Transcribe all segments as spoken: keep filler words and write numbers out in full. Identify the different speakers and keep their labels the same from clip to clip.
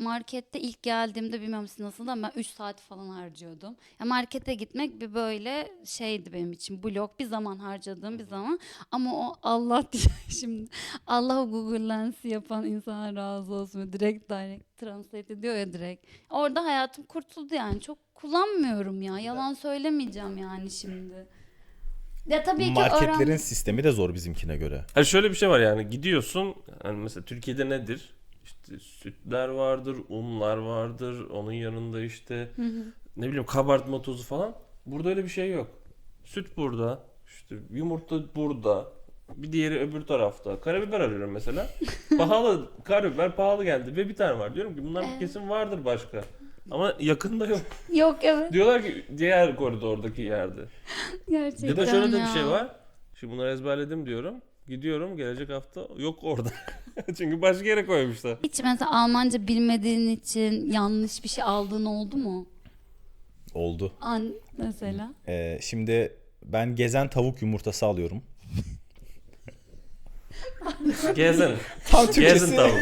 Speaker 1: markette ilk geldiğimde bilmiyorum siz nasıl da ben üç saat falan harcıyordum. Ya markete gitmek bir böyle şeydi benim için. Blok bir zaman harcadığım bir zaman. Ama o Allah diye şimdi Allah o Google Lens'i yapan insana razı olsun. Direkt direct translate ediyor ya direkt. Orada hayatım kurtuldu yani. Çok kullanmıyorum ya. Yalan söylemeyeceğim yani şimdi. Ya tabii ki
Speaker 2: Marketlerin
Speaker 1: öğren...
Speaker 2: sistemi de zor bizimkine göre.
Speaker 3: Hani şöyle bir şey var yani gidiyorsun hani mesela Türkiye'de nedir? İşte sütler vardır, unlar vardır, onun yanında işte ne bileyim kabartma tozu falan. Burada öyle bir şey yok. Süt burada, işte yumurta burada, bir diğeri öbür tarafta. Karabiber arıyorum mesela. Pahalı, karabiber pahalı geldi ve bir tane var. Diyorum ki bunlar
Speaker 1: Evet.
Speaker 3: kesin vardır başka. Ama yakında yok.
Speaker 1: Yok evet.
Speaker 3: Diyorlar ki diğer koridordaki yerde.
Speaker 1: Gerçekten
Speaker 3: Ya da şöyle de bir
Speaker 1: ya.
Speaker 3: şey var. Şimdi bunları ezberledim diyorum. Gidiyorum gelecek hafta yok orada. Çünkü başka yere koymuşlar.
Speaker 1: Hiç mesela Almanca bilmediğin için yanlış bir şey aldığın oldu mu?
Speaker 2: Oldu.
Speaker 1: An mesela.
Speaker 2: Ee, şimdi ben gezen tavuk yumurtası alıyorum.
Speaker 3: Gezin.
Speaker 2: Tam
Speaker 3: Gezin
Speaker 2: Türkçesi
Speaker 3: tavuk.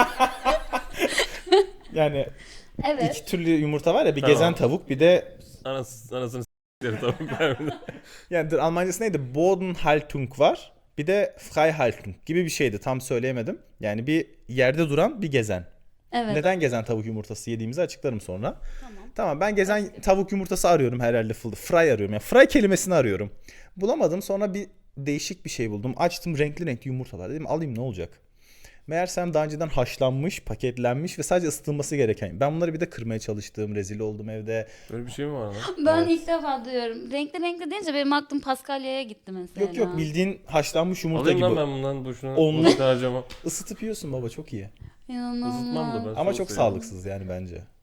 Speaker 2: yani
Speaker 1: Evet.
Speaker 2: iki türlü yumurta var ya, bir
Speaker 3: Tamam.
Speaker 2: gezen tavuk, bir de
Speaker 3: Anas, anasını s**leri tavuk.
Speaker 2: yani dur, Almancası neydi? Bodenhaltung var. Bir de Freihaltung gibi bir şeydi. Tam söyleyemedim. Yani bir yerde duran bir gezen.
Speaker 1: Evet.
Speaker 2: Neden gezen tavuk yumurtası yediğimizi açıklarım sonra.
Speaker 1: Tamam.
Speaker 2: Tamam, ben gezen tavuk yumurtası arıyorum herhalde. Fry arıyorum. Yani fry kelimesini arıyorum. Bulamadım, sonra bir değişik bir şey buldum. Açtım, renkli renkli yumurtalar. Dedim alayım, ne olacak? Meğersem daha önceden haşlanmış, paketlenmiş ve sadece ısıtılması gereken. Ben bunları bir de kırmaya çalıştım. Rezil oldum evde.
Speaker 3: Böyle bir şey mi var lan?
Speaker 1: Ben
Speaker 2: Evet.
Speaker 1: ilk defa duyuyorum. Renkli renkli deyince benim aklım Paskalya'ya gitti mesela.
Speaker 2: Yok yok, bildiğin haşlanmış yumurta
Speaker 3: Alayım
Speaker 2: gibi.
Speaker 3: lan ben bundan boşuna.
Speaker 2: Onlu-
Speaker 3: Boşuna harcama.
Speaker 2: Isıtıp yiyorsun baba, çok iyi.
Speaker 1: İnanılmaz.
Speaker 3: Isıtmam da ben.
Speaker 2: Ama
Speaker 3: soğuk
Speaker 2: çok
Speaker 3: seviyorum.
Speaker 2: sağlıksız yani bence.